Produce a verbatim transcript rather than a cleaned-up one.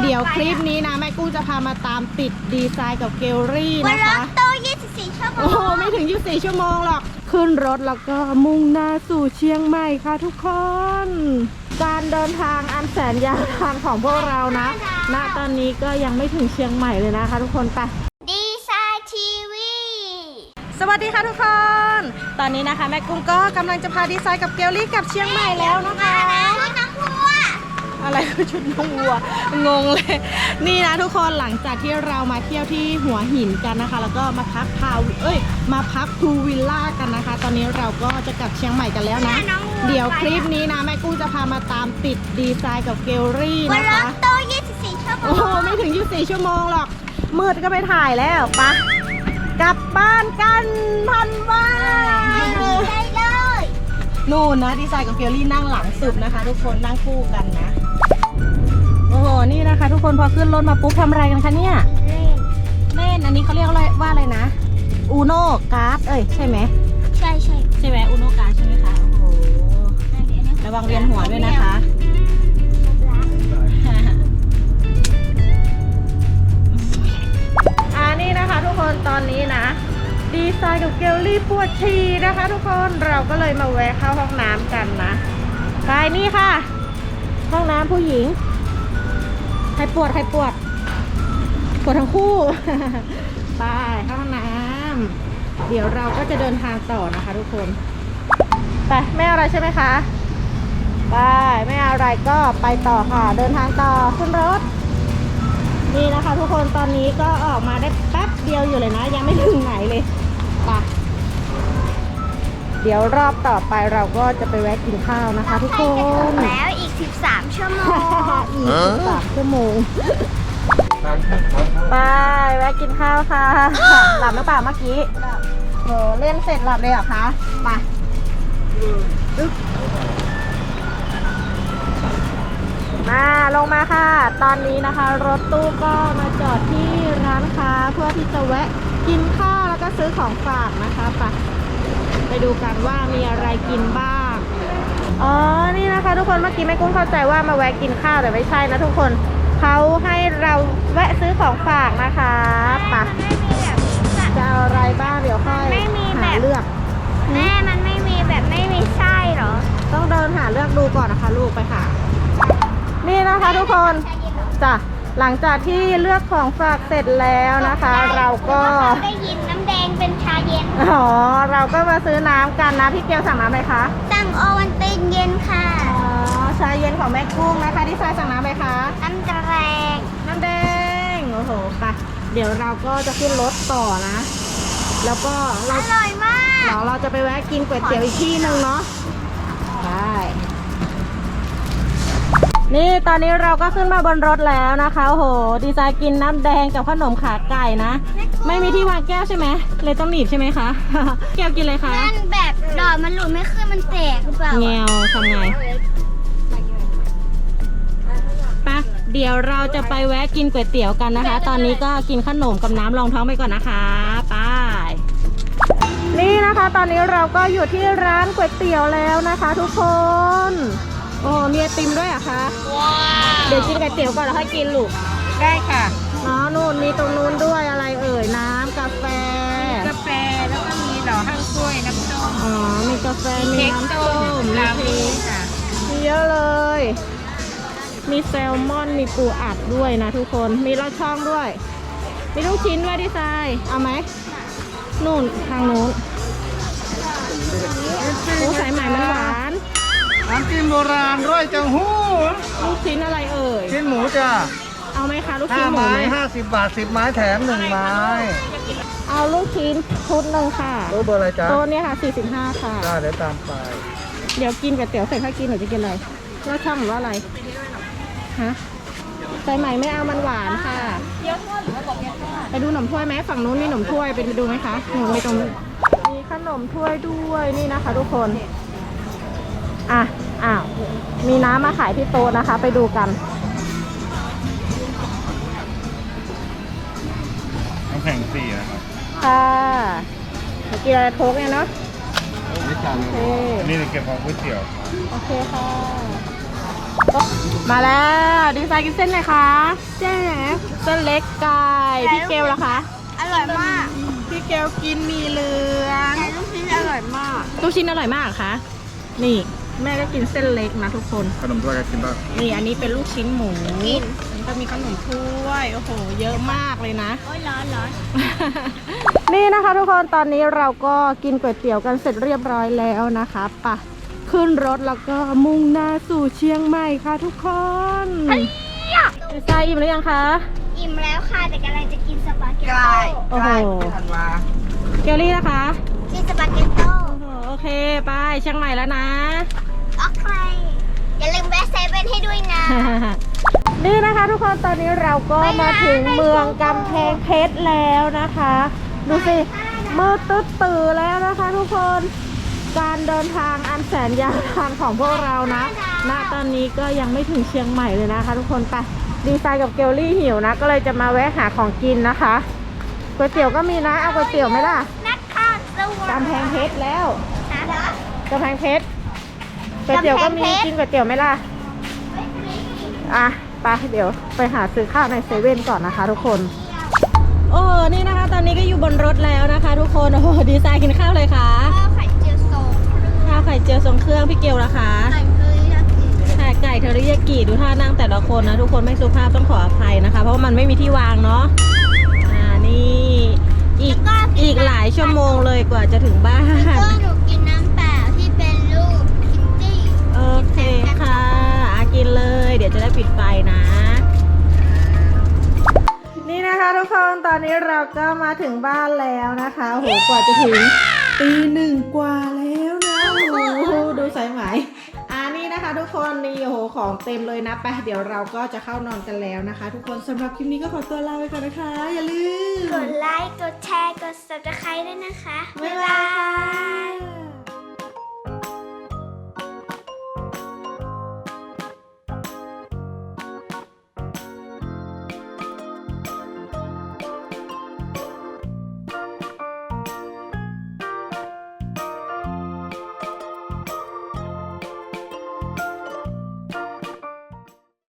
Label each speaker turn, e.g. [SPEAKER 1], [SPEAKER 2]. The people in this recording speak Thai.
[SPEAKER 1] ดี๋ยวคลิปนี้นะแม่กุ้งจะพามาตามติดดีไซน์กับเกลลี่นะคะ
[SPEAKER 2] วันรถโตยี่สิบสี่ชั่วโมง
[SPEAKER 1] โอ้โหไม่ถึงยี่สิบสี่ชั่วโมงหรอกขึ้นรถแล้วก็มุ่งหน้าสู่เชียงใหม่ค่ะทุกคนการเดินทางอันแสนยาวนานของพวกเรานะณตอนนี้ก็ยังไม่ถึงเชียงใหม่เลยนะคะทุกคนไป
[SPEAKER 2] ดีไซน์ทีวี
[SPEAKER 1] สวัสดีค่ะทุกคนตอนนี้นะคะแม่กุ้งก็กำลังจะพาดีไซน์กับเกลลี่กลับเชียงใหม่แล้วนะคะ
[SPEAKER 2] ชุดน้องวัว
[SPEAKER 1] อะไรคือชุดน้องวัวงงเลยนี่นะทุกคนหลังจากที่เรามาเที่ยวที่หัวหินกันนะคะแล้วก็มาพักพาวเอ้ยมาพักพูวิลล่ากันนะคะตอนนี้เราก็จะกลับเชียงใหม่กันแล้วนะเดี๋ยวคลิปนี้นะแม่กุ้งจะพามาตามติดดีไซน์กับเกลลี่
[SPEAKER 2] วัน
[SPEAKER 1] นะ
[SPEAKER 2] ร
[SPEAKER 1] คะ
[SPEAKER 2] ถโตยี่สิบสี่ชั่วโม
[SPEAKER 1] โอ้โห
[SPEAKER 2] ง
[SPEAKER 1] ไม่ถึงยี่สิบสี่ชั่วโมงหรอกมืดก็ไปถ่ายแล้วปะกลับบ้านกันพันว่า
[SPEAKER 2] ได้เลย
[SPEAKER 1] นู่นนะดีไซน์กับเกลลี่นั่งหลังสุดนะคะทุกคนนั่งคู่กันนะโอ้โหนี่นะคะทุกคนพอขึ้นรถมาปุ๊บทำอะไรกันคะเนี่ย
[SPEAKER 2] เล่น
[SPEAKER 1] เล่นอันนี้เขาเรียกว่าอะไรว่าอะไรนะอูโน่การ์ดเอ้ยใช่ไหม
[SPEAKER 2] ใช่ใช่
[SPEAKER 1] ใช่ไหมอูโน่การ์ดใช่ไหมคะโอ้โหระวังเวียนหัวด้วยนะคะอ่านี่นะคะทุกคนตอนนี้นะดีไซน์กับเกลลี่ปวดฉี่นะคะทุกคนเราก็เลยมาแวะเข้าห้องน้ำกันนะไปนี่ค่ะห้องน้ำผู้หญิงใครปวดใครปวดปวดทั้งคู่ ไปเข้าห้องน้ำเดี๋ยวเราก็จะเดินทางต่อนะคะทุกคนไปไม่เอาอะไรใช่ไหมคะไปไม่เอาอะไรก็ไปต่อค่ะเดินทางต่อขึ้นรถนี่นะคะทุกคนตอนนี้ก็ออกมาได้แป๊บเดียวอยู่เลยนะยังไม่ถึงไหนเลยไปเดี๋ยวรอบต่อไปเราก็จะไปแวะกินข้าวนะคะทุกค
[SPEAKER 2] ใกล้จะถึ
[SPEAKER 1] น
[SPEAKER 2] งแล้วอีกสิบสามชั่วโมง
[SPEAKER 1] อีกสามชั่วโมงไปแวะกินข้าวค่ะหลับหรือเปล่าเมื่อกี้โหเล่นเสร็จหลับเลยเหรอคะไปอึ๊บมาลงมาค่ะตอนนี้นะคะรถตู้ก็มาจอดที่ร้านค้าเพื่อที่จะแวะกินข้าวแล้วก็ซื้อของฝากนะคะไปไปดูกันว่ามีอะไรกินบ้างอ๋อนี่นะคะทุกคนเมื่อกี้แม่กุ้งเข้าใจว่ามาแวะกินข้าวแต่ไม่ใช่นะทุกคนเขาให้เราแวะซื้อของฝากนะคะไป
[SPEAKER 2] ไม่มีแบบ
[SPEAKER 1] จะเอาอะไรบ้างเดี๋ยวค่อย
[SPEAKER 2] ไม่มีแบบ
[SPEAKER 1] หาเลือก
[SPEAKER 2] แม่มันไม่มีแบบไม่มีไส้เหรอ
[SPEAKER 1] ต้องเดินหาเลือกดูก่อนนะคะลูกไปค่ะนี่นะคะทุกคนจ้ะหลังจากที่เลือกของฝากเสร็จแล้วนะคะ เราก็
[SPEAKER 2] ได้ยินน้ำแดงเป็นชาเย็น
[SPEAKER 1] อ๋อเราก็มาซื้อน้ำกันนะพี่เกียวสั่งน้ำอะไรคะ
[SPEAKER 2] สั่งโอวันตินเย็นค่ะ
[SPEAKER 1] อ๋อชาเย็นของแม่กุ้งนะคะที่ซายสั่งน้ำอะไรคะ
[SPEAKER 2] น้ำแดง
[SPEAKER 1] น้ำแดงโอ้โหไปเดี๋ยวเราก็จะขึ้นรถต่อนะ แล้วก็
[SPEAKER 2] อ
[SPEAKER 1] เรา
[SPEAKER 2] ร่อยมาก
[SPEAKER 1] เดี๋ยวเราจะไปแวะกินก๋วยเตี๋ยวอีกที่หนึ่งเนาะได้นี่ตอนนี้เราก็ขึ้นมาบนรถแล้วนะคะโอ้โหดีไซน์กินน้ำแดงกับขนมขาไก่นะไม่มีที่วางแก้วใช่ไหมเลยต้องหนีบใช่ไหมคะ แก้วกินเลยคะ
[SPEAKER 2] นั่นแบบดอกมันหลุดไม่ขึ้นมันแตกหรือเปล่า
[SPEAKER 1] แงวทำไงปะเดี๋ยวเราจะไปแวะกินก๋วยเตี๋ยวกันนะคะ ตอนนี้ก็กินขนมกับน้ำรองท้องไปก่อนนะคะไปนี่นะคะ ตอนนี้เราก็อยู่ที่ร้านก๋วยเตี๋ยวแล้วนะคะ ทุกคนโอ้มีไอติมด้วยเหรอะคะว้าวเดี๋ยวกินก๋วยเตี๋ยวก่อนแล้วค่อยกินลูกได้ค่ะอ๋อนู่นมีตรงนู้นด้วยอะไรเอ่ยน้ำกาแฟ
[SPEAKER 3] กาแฟแล้วก็มีดอกข้างกล้วยน้ำส้ม
[SPEAKER 1] อ๋อมีกาแฟมีน้ำส้มมี
[SPEAKER 3] ลา
[SPEAKER 1] เค้
[SPEAKER 3] วี
[SPEAKER 1] ก
[SPEAKER 3] ค่ะ
[SPEAKER 1] มีเยอะเลย มีแซลมอน มีปูอัดด้วยนะทุกคน มีลอดช่องด้วย มีลูกชิ้นด้วยดีไซน์เอาไหมนู่นทางนู้นโอ้สายใหม่มันหวาน
[SPEAKER 4] น้ำจิ้มโบราณร้อยจังหู้
[SPEAKER 1] ลูกชิ้นอะไรเอ่ย
[SPEAKER 4] ชิ้นหมูจ้ะ
[SPEAKER 1] เอาไหมคะลูก
[SPEAKER 4] ห้า
[SPEAKER 1] ชิ้นหมู
[SPEAKER 4] ไม้
[SPEAKER 1] ไหม
[SPEAKER 4] ห้าสิบบาทสิบไม้แถมหนึ่งไม้
[SPEAKER 1] เอาลูกชิ้นชุดหนึ่งค่ะ
[SPEAKER 4] โต๊ะเบอร์อะไรจ๊ะ
[SPEAKER 1] โต๊ะเนี่ยค่ะสี่สิบห้าค่ะ
[SPEAKER 4] ได้เดี๋ยวตามไป
[SPEAKER 1] เดี๋ยวกินกับเตี๋ยวเสร็จค่อยกินหนูจะกินอะไรลอดช่องหรือว่าอะไร ฮะสายใหม่ไม่เอามันหวานค่ะไปดูขนมถ้วยไหมฝั่งนู้นมีขนมถ้วยไปดูไหมคะหนูมีตรงนู้นมีขนมถ้วยด้วยนี่นะคะทุกคนอ่ะอ้าวมีน้ำมาขายที่โต๊ะนะคะ ไปดูกัน
[SPEAKER 4] น้ำแข็งสี่นะครับ
[SPEAKER 1] ค่ะเมื่อกี้อะไรโค้กเนี่ยเนาะ
[SPEAKER 4] นี่จาน
[SPEAKER 1] โอเค
[SPEAKER 4] นี่เก็บของก๋วยเตี๋ยว
[SPEAKER 1] โอเคค่ะมาแล้วดีไซน์กินเส้นไหนคะเส้นไหนเส้นเล็กไก่พี่เกลล่ะคะ
[SPEAKER 2] อร่อยมาก
[SPEAKER 1] พี่เกลกินหมีเหลือง
[SPEAKER 2] แต่ลูกชิ้นอร่อยมาก
[SPEAKER 1] ลูกชิ้นอร่อยมากคะนี่แม่ก็กินเส้นเล็กนะทุกคน
[SPEAKER 4] ขนมถ้วยก็กินบ้าง
[SPEAKER 1] นี่อันนี้เป็นลูกชิ้นหมูนี่ก็มีขนมถ้วยโอ้โหเยอะมากเลยนะ
[SPEAKER 2] โอ้ยร้อนร้อน
[SPEAKER 1] นี่นะคะทุกคนตอนนี้เราก็กินก๋วยเตี๋ยวกันเสร็จเรียบร้อยแล้วนะคะไปะขึ้นรถแล้วก็มุ่งหน้าสู่เชียงใหม่ค่ะทุกคนดีไซน์อิ่มหรือยังคะ
[SPEAKER 2] อิ่มแล้วค่ะแต่กำลังจะกินสปาเกต
[SPEAKER 3] ใกล้
[SPEAKER 2] โต้
[SPEAKER 1] โอ้โห
[SPEAKER 3] ทันวา
[SPEAKER 1] เกลลี่นะคะ
[SPEAKER 2] กินสปาเกตโต้
[SPEAKER 1] โอ้โหโอเคไปเชียงใหม่แล้วนะ
[SPEAKER 2] โอเคอย่าลืมแวะเซเว่นให้ด้วยนะ
[SPEAKER 1] นี่นะคะทุกคนตอนนี้เราก็มาถึงเมืองกำแพงเพชรแล้วนะคะ ดูสิมืดตึ๊ดตื่อแล้วนะคะ ทุกคนการเดินทางอันแสนยาวนานของพวกเรานะณตอนนี้ก็ยังไม่ถึงเชียงใหม่เลยนะคะ ทุกคนไปดีไซน์กับเกลลี่หิวนะก็เลยจะมาแวะหาของกินนะคะก๋วยเตี๋ยวก็มีนะเอาก๋วยเตี๋ยวไหมล่ะ
[SPEAKER 2] นักข่าวสวัส
[SPEAKER 1] กำแพงเพชรแล้ว
[SPEAKER 2] ดี
[SPEAKER 1] กำแพงเพชรก๋วยเตี๋ยวก็มีกินก๋วยเตี๋ยวไหมล่ะอ่ะไปเดี๋ยวไปหาซื้อข้าวในเซเว่นก่อนนะคะ ทุกคนโอ้นี่นะคะ ตอนนี้ก็อยู่บนรถแล้วนะคะ ทุกคนโอ้โหดีไซน์กินข้าวเลยค่ะ
[SPEAKER 2] ข้าวไข่เจียวโซ่
[SPEAKER 1] ข้าวไข่เจียวทรงเครื่องพี่เกลนะคะ
[SPEAKER 2] ไข่เคยอยากกิน
[SPEAKER 1] ไข่ไก่เทอริยากิดูท่านั่งแต่ละคนนะทุกคนไม่สุภาพต้องขออภัยนะคะ เพราะว่ามันไม่มีที่วางเนาะอ่านี่อีกอีกหลายชั่วโมงเลยกว่าจะถึงบ้าน
[SPEAKER 2] ก็หนูกินน้ำเปล่าที่เป็นรูปคิตตี้
[SPEAKER 1] โอเคค่ะอากินเลยเดี๋ยวจะได้ปิดไฟนะ นี่นะคะทุกคนตอนนี้เราก็มาถึงบ้านแล้วนะคะโอ้โหกว่าจะถึงตีหนึ่งกว่าแล้วนะโอ้โหดูสายไหมอ่านี่นะคะ ทุกคนนี่โอ้โหของเต็มเลยนะไปเดี๋ยวเราก็จะเข้านอนกันแล้วนะคะ ทุกคนสำหรับคลิปนี้ก็ขอตัวลาไปก่อนนะคะ อย่าลืม
[SPEAKER 2] กดไลค์ กดแชร์ กด ซับสไครบ์ ด้วยนะคะ
[SPEAKER 1] บ๊ายบาย